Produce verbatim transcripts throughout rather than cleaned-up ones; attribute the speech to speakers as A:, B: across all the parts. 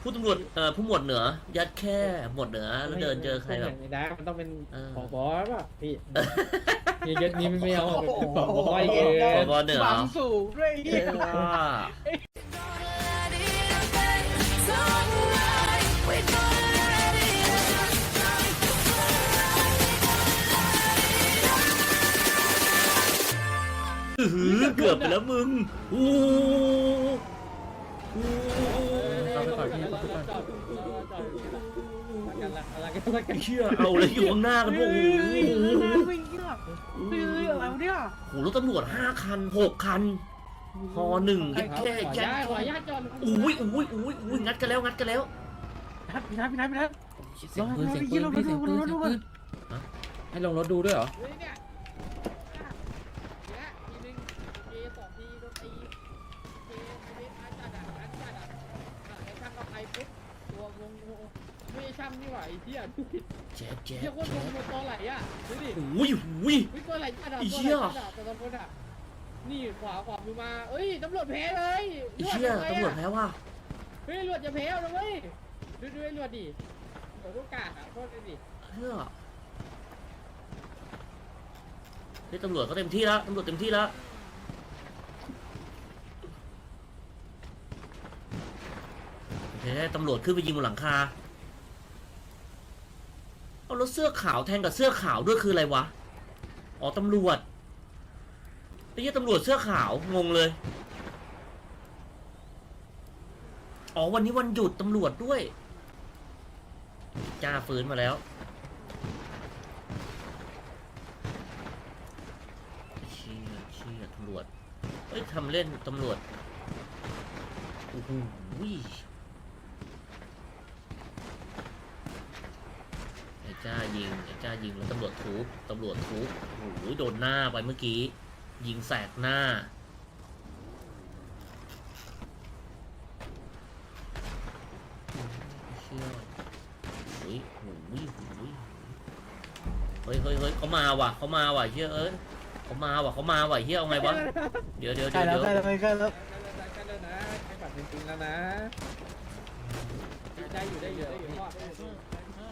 A: ผู้ตำรวจเอ่อผู้หมวดเหนือ ยัดแค่หมวดเหนือแล้วเดินเจอใครแบบ
B: ไม่ได้มันต้องเป็น
A: เออ
B: ผบป่ะพี่มียศนี้ไม่เอาเป็นผบอีกเอ
A: ผ
B: ง
A: บเหนือ
C: บังสูงด้วยไอ้เหี้ย
A: ว่า อื้อหือเกือบไปแล้วมึงอู้อู้
B: เราไปก่อนพี่เราจอดจอดกันละอะไรกันละกัน
A: เชื่อเอาเลยอยู่ข้างหน้ากันพวกโอ้โห
C: ไม่เหี้ยเฮ้ยอะไรวะเนี่ย
A: โหรถตำรวจห้าคันหกคันพอหนึ่งแค่
B: ขอ
A: แค่
B: ญาตขอญาตจอด
A: อุ้ยอุ้ยอุ้ยอุ้ยงัดกันแล้วงัดกันแล้ว
C: พี่นัทพี่นัทพี่นัท
D: เสียงปืนเสียงปืนพี่เสียงปืนเสียงปืนให้ลงรถดูด้วยเหรอ
B: เฮ้ยเนี่ยเนี่ยทีนึงเอสองทีโดนตีเอไม่ได้จัดอ่ะจัดอ่ะไอ้ช่างเอาไปปุ๊บตัวงงไม่ใช่ช่างนี่หว่าไอ้เหี้ยดูดิ
A: แจ๊บแจ๊
B: เหี้ย
A: บ
B: โคตรงงตัวไหลอ่ะดูดิ
A: อุ้ยอุ้ย
B: วิตัวไหลจัดอ่ะ
A: ไอ้
B: ตัว
A: เหี้
B: ไหล
A: ย
B: จัดอ่ะแต่ละคนอ่ะนี่ขวาขวามือมาเอ้ยตำรวจแพ้เลย
A: ไอ้เชี่ยตำรวจแพ้ว่ะ
B: เฮ้ยตำรวจจะแพ้แล้วเว้ยดูดูไอ้ตำรวจดิโอ้ลูกกาดอ่ะโทษเลยดิ
A: เฮ้ยเฮ้ยตำรวจก็เต็มที่แล้วตำรวจเต็มที่แล้วเฮ้ยตำรวจขึ้นไปยิงบนหลังคาเอาแล้วเสื้อขาวแทงกับเสื้อขาวด้วยคืออะไรวะอ๋อตำรวจไอ้เหี้ยตำรวจเสื้อขาวงงเลยอ๋อวันนี้วันหยุดตำรวจด้วยจ้าฟื้นมาแล้วเชี่ยเชี่ยตำรวจเฮ้ยทำเล่นตำรวจโอ้โหไอ้จ้ายิงไอ้จ้ายิงแล้วตำรวจทุบตำรวจทุบโอ้โหโดนหน้าไปเมื่อกี้ยิงแสกหน้าเชี่ยโอ้ยโอ้ยโอ้ยเฮ้ยเฮ้ยเฮ้ยเขามาว่ะเขามาว่ะเชี่ยเอ้ยเขามาว่ะเขามาว่ะเฮียเอาไงวะเดี๋ยวเดี๋ยว
C: ใกล้
A: เดี๋ยว
C: แล้ว
A: เดี๋ยว
C: ใกล้แล้วใกล้แล้ว
B: ใกล้แล้วนะใกล้บัตรจริงๆแล้วนะได้อยู่ได้อยู่ได้อยู่พ่อไม่ชอบ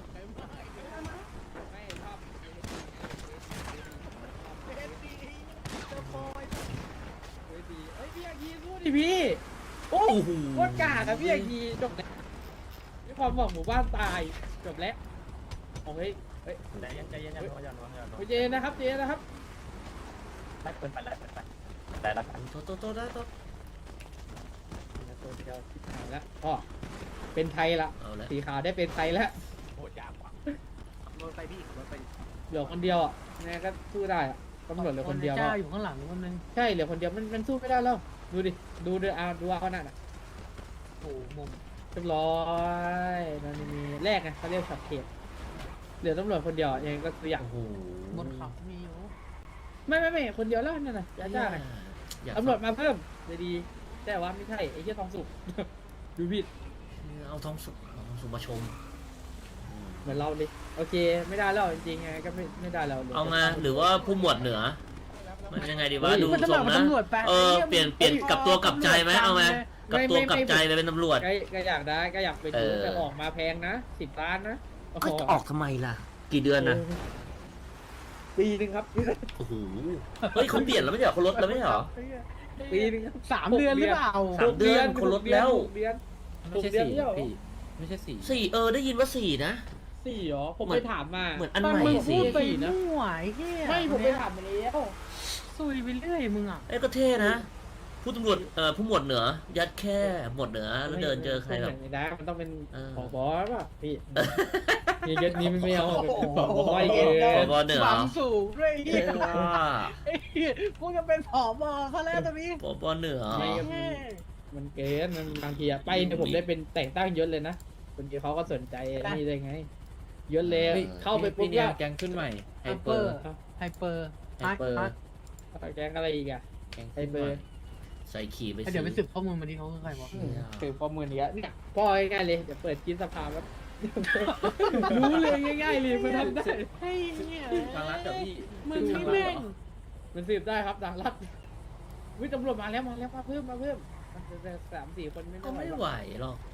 B: เฮ้ยดีเฮ้ยพี่อากีสู้ดิพี่โอ้
A: โอ้โห
B: โคตรกากอะพี่อากีจบแล้วมีความหวังหมู่บ้านตายจบแล้วโอ้ยเฮ้ย
C: ใจเย็นใจเย็นอย่าร้อนอย่าร้อนอย่าร้อน
B: เจนะครับเจนะครับ
C: ไปเปิดไปแล้วเปิดไปแต่ละกัน
A: โตโตโตได้โต
B: ตัวเดียวที่ถ่ายแล้วพ่อเป็นไทยละ
A: เอาละ
B: สีขาวได้เป็นไทยแล้ว
C: โหดยากกว่าขับรถไปพี่ขับรถไป
B: เหลือคนเดียวอ่ะแม่ก็สู้ได้อ่ะตำรวจเหลือคนเดียว
C: จ้า
B: อะ
C: อยู่ข้างหลังคนนึง
B: ใช่เหลือคนเดียวมันมันสู้ไม่ได้แล้วดูดิดูดิอ่ะดูเอานั่นอ่ะ
C: โอ้มุม
B: เรียบร้อยมันมีแรกไงเขาเรียกสับเขตเหลือตำรวจคนเดียวยังก็ตัวอย่าง
A: โอ้โห
C: บนเขามีอยู่
B: ไม่ไม่ไม่คนเดียวแล้วนั่นน่ะจ้าจ้า
A: อยาก
B: ตำรวจมาเพิ่มจะดีแต่ว่าไม่ใช่ไอ้เหี้ยทองสุก ดูผิด
A: เอาทองสุกเอาทองสุกมาชมอืม
B: เหมือนเราเลยโอเคไม่ได้แล้วจริงๆไงก็ไม่ไม่ได้แล้ว
A: เอาไงหรือว่าผู้หมวดเหนือมันยังไงดีวะดู
C: มันจะ
A: ท
C: บ
A: ร
C: อก
A: ง
C: ว่า
A: นะ
C: ตำรวจแปล
A: เออเปลี่ยนเปลี่ยนกลับตัวกลับใจไหมเอาไหมกลับตัวกลับใจไปเป็นตำรวจ
B: ก็ก็อยากได้ก็อยากไปดู
A: เออ
B: แต่ออกมาแพงนะสิบล้านนะโอ้โห
A: ก็จะออกทำไมล่ะ กี่เดือนนะ
B: ปีหนึ่งครับ
A: โอ้โหเฮ้ยเขาเปลี่ยนแล้วไม่ใช่เหรอเขาลดแล้วไม่ใช่เหรอ
B: ปีหนึงครับ
C: สามเดือนหรือเปล่า
A: สามเดือนคนลดแล้ว
B: หกเดือน
D: ไม่ใช่สี่พี่ไม่ใช่สี่
A: สี่เออได้ยินว่าสี่นะ
B: สี่เหรอผม
A: เหมื
B: ไป
A: อน
B: ถามมา
A: เหมือนอัน
C: ตอน
A: ใหม่
C: มึง
A: สิ
C: พูดไป
B: สี่นะ
C: มั่วไอ้เหี้ย
B: ไม่ผมไปถามมาแล้ว
C: ซุยไปเรื่อยมึงอ่ะ
A: เอ้ยก็เท่นะผู้ตำรวจเอ่อผู้หมวดเหนือ ยัดแค่หมวดเหนือแล้วเดินเจอใครแบบ
B: ไม่ได้มันต้องเป็น
A: เออ
B: ผบป่ะพี่มียศนี้ไม่เอาเป็นผบอีกเอ
A: ผ
B: ง
A: บเหนือ
C: บังสูงด้วยไอ้เหี้ย
A: ว่า
C: ไอ้เหี้ยกูจะเป็นผอบอเขาแล้วตอนนี้
A: ผบเหนือ
B: ไม่ก็มีมันเกินมันบางทีอะไปเนี่ยผมได้เป็นแต่งตั้งยศเลยนะคนที่เขาก็สนใจนี่ได้ไงยศเลยเข้าไปปุ๊บ
D: เนี่
B: ก็
D: ยแกงขึ้นใหม่ไฮ
C: ไฮ
D: เป
C: เป
D: อ
C: อ
D: ร์
C: ร์ ไฮเปอร์
D: ไฮเปอร์
C: ฮัท
B: แกงอะไรอีกอะ
D: แกง
B: ไฮ
D: ขึ้น
B: เป
D: ให
B: อ
D: ม่
B: ร์
A: ใส่ขี่ไป
C: เดี๋ยวไปสืบข้อมูลมาที่เขาคือใครวะ
B: ถือข้อมูลนี้เนี่ยพ่อง่ายๆเลยเดี๋ยวเปิดกินสภาแล้วรู้เลยง่ายๆเลยมันทำได้
C: ไอ้เหี้ย
D: ทางรัฐกับพี่
C: มึงนี่แม่ง
B: มันสืบได้ครับดังรัฐวิตำรวจมาแล้วมาแล้วมาเพิ่มมาเพิ่มมันจะสามสี่คนไม่
A: ก็
B: ไหว
A: ไม่
B: หรอก
A: ไหวหรอก
B: ม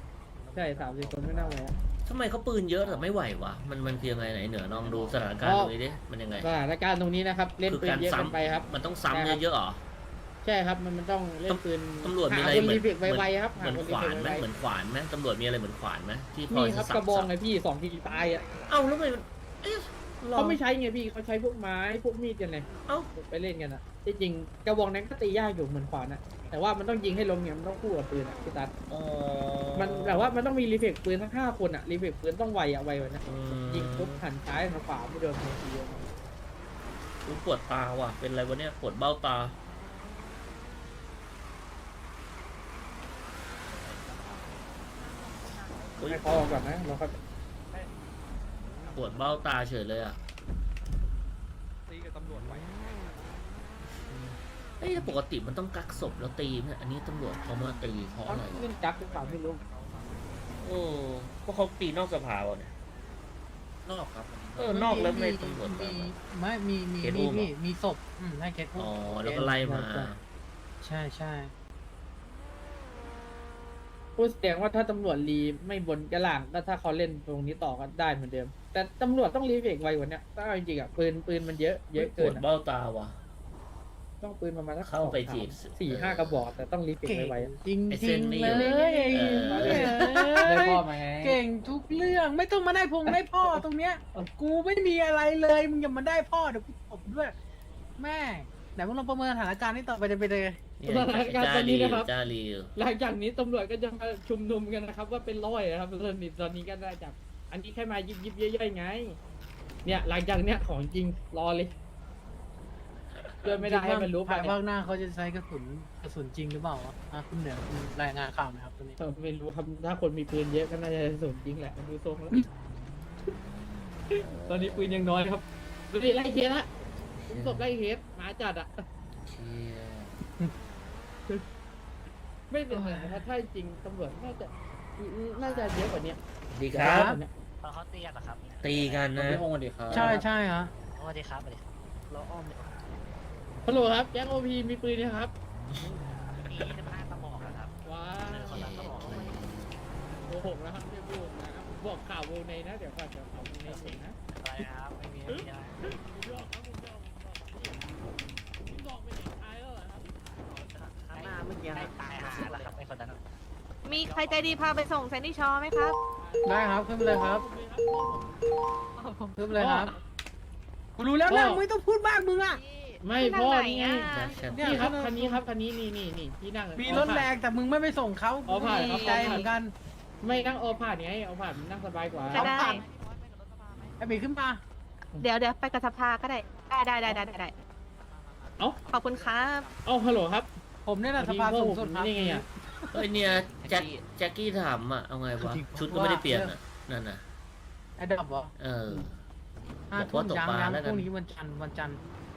B: ใช่สามสิบคนไม่น่าไหวอะ
A: ทำไมเขาปืนเยอะแต่ไม่ไหววะมันมันคือยังไงไหนเหนือลองดูสถานการณ์
B: อ๋อ
A: ตรงนี้ดิมันยังไง
B: สถานการณ์ตรงนี้นะครับเล่น
A: คือ
B: ปืน
A: การ
B: เยอะ
A: ซ้
B: เกันไปครับ
A: ำมันต้องซ้ำ
B: ใช่ครับ
A: เยอะๆเหรอ
B: ใช่ครับมันมันต้องเล่นปืน
A: ตำรวจมีอะไร
B: หาคน
A: เหมือน
B: รีเฟกไวๆครับ
A: เหมือน
B: ห
A: ขวาน
B: ค
A: ไหม
B: รีเฟก
A: เห
B: ไว
A: มือนขวานไหมตำรวจมีอะไรเหมือนขวานไหมที่
B: ๆ
A: พอ
B: นี่ครับ
A: สั
B: กระบอง
A: สั
B: ไงพี่สองทีตายอ่ะ
A: เอ้าแล้วทำไมมันเอ๊ะหรอ
B: เขาไม่ใช้ไงพี่เขาใช้พวกไม้พวกมีดกันไง
A: เอ้า
B: ไปเล่นกันอ่ะที่จริงกระบองนั้นก็ตียากอยู่เหมือนขวานอ่ะแต่ว่ามันต้องยิงให้ลงเนี่ยมันต้องคู่กับปืนอ่ะพี่ตัด
A: อ๋อ
B: มันแบบว่ามันต้องมีรีเฟกปืนทั้งห้าคนอ่ะรีเฟกปืนต้องไวอ่ะไวกว่านะ
A: อืม
B: ยิงปุ๊บหันซ้ายหันขวาไม่โดนทันที
A: อุ๊ยปวดตาว่ะเป็นอะไรวะเนี่ยปวดเบ้าตา อุ๊ย
B: ให้เขาออกก่อนนะเราก็
A: ปวดเบ้าตาเฉยเลยอ่ะ
E: ตีกับตำรวจไว้
A: เอ้ยปกติมันต้องกักศพแล้วตีเนี่ยอันนี้ตำรวจเขามาตีเพราะ
B: เขา
A: อะไร
B: เล่นจักหรือเปล่าไม่รู้
A: โอ้เพราะเขาตีนอกสภาวะเนี่ย
D: นอกครับ
A: เออนอกแล้วไม่ตำรวจ
F: มี
A: มา
F: ไม่มีมี
A: เคส
F: มี
A: อุ้มเหรอ
F: พี่มีศพอืมให้เคสอุ้ม
A: อ๋อแล้วก็ไล่มา
F: ใช่ใช่
B: พูดแสดงว่าถ้าตำรวจรีไม่บนกระหล่างก็ถ้าเขาเล่นตรงนี้ต่อก็ได้เหมือนเดิม แต่ตำรวจต้องรีเฟกไวกว่าเนี้ยถ้าเอาจริงๆอ่ะปืนปืนมันเยอะเยอะ
A: ป
B: เกิ
A: วน ด
B: อะ
A: เบ้าตาว่ะ
B: ต้องปืนประมาณสัก
A: เข้าไป
B: สอง
A: จีบ
B: สามสี่ห้ากระบอกแต่ต้องรีเฟก
F: เก่ง
B: ไวๆอะ
F: จริง
A: ไอ้
F: จ
A: เส้
F: ริ
A: น
F: ง
A: ไม่
F: เล
A: อยู่
F: ย
A: เออ
D: ได้พ่อมาไง
F: เก่งทุกเรื่องไม่ต้องมาได้พงได้พ่อตรงเนี้ยกูไม่มีอะไรเลยมึงอย่ามาได้พ่อเดี๋ยวกูตบด้วย แม่ไหนมึงลองประเมินสถานการณ์นี้ต่อไปจะเป็นยังไง
A: เนี่ย
B: สถานการณ์ตอนนี้นะครับ
A: จ้าลี
B: หลังจากนี้ตำรวจก็จะมาชุมนุมกันนะครับ ว่าเป็นร้อยนะครับตอนนี้ตอนนี้ก็ได้จากอันนี้แค่มายิบยิบๆย่อยๆไง เนี่ยหลังจากเนี้ยของจริงรอเลยเพื่อไม่ได้ให้มันรู้ไป
F: ภายภาคหน้าเขาจะใช้กระสุนกระสุนจริงหรือเปล่าวะอ่ะคุณเหนือคุณรายงานข่าวหนะครับตอนนี้
B: เออไม่รู้ครับถ้าคนมีปืนเยอะก็น่าจะสนจริงแหละดูทรงแล้ว ตอนนี้ปืนยังน้อยครับดูดิไล่เคสละผมศพไล่เคสหมาจัดอ่ะ
D: เชี่ย
B: ไม่เป็นไรนะครับถ้าจริงตำรวจน่าจะน่าจะเยอะกว่านี้
A: ดีครับ
G: ตอนเขาตีกันเหรอครับ
A: ตีกันนะ
D: พี่พงศ์สวัสดีครับ
F: ใช่ใช่ฮะ
G: สวัสดีครับสวัสดีครับเราอ้อมเลย
B: ฮัลโหลครับแจ็คโอพีมีปืนไหมครับ
G: มีสิบห้ากระบอกอะครับ
B: ว้า
G: เดินคนละกระบอกเลย
B: โกหกนะครับไม่พูดนะครับบอกข่าววงในนะเดี๋ยวก่อนเดี๋ยวข่าววงในเองนะ
G: อะไรนะครับไม่มีไม่มีอะไร
B: ผมบอกครับผมบอกผมบอกผมบอกไปเด็กตายแล้วเหรอครับ
G: ข้างหน้าเมื่อกี้ให้ตายหาแล้วครับไอ้คนนั้น
H: มีใครใจดีพาไปส่งแซนดี้ชอว์ไหมครับ
F: ได้ครับขึ้นไปเลยครับขึ้นไปเลยครับกูรู้แล้วนะมึงไม่ต้องพูดบ้างมึงอ่ะ
B: ไม่
H: ที่
B: พ่อ
H: ทางไหน
B: นี่ไง
H: อ่ะ
F: เนี่ย
B: นี่ครับคันนี้ครับคันนี้นี่นี่นี่ที่นั่ง
F: มีรถแรงแต่มึงไม่ไปส่งเขา
B: อ๋อผ่าน
F: ดีใจเหมือนกัน
B: ไม่นั่งเอาผ่านไงเอาผ่านนั่งสบายกว่า
H: ก็ได้
F: ไอ้บีขึ้นมา
H: เดี๋ยวเดี๋ยวไปกับสภาก็ได้ ได้ได้ได้ได้ได้ได้
B: เอ้า
H: ขอบคุณครับ
B: เอาฮัลโหลครับ
F: ผมเนี่ยนะสภาสูงสุดครับ
B: นี่ไงอ่ะ
A: เอ้ยเนี่ยแจ็คแจ็คกี้ถามอ่ะเอาไงวะชุดก็ไม่ได้เปลี่ยนอ่ะนั่นน่ะ
F: ไอ้ดับเหรอ
A: เออ
F: ห้า
A: บอก
F: ทุ่
A: ว่าม ตก
F: ยัง
A: ปลา
F: ยัง
A: แล้ว
F: พ
A: กัน
F: รุ่งนี้วันจันทร์วันจันทร์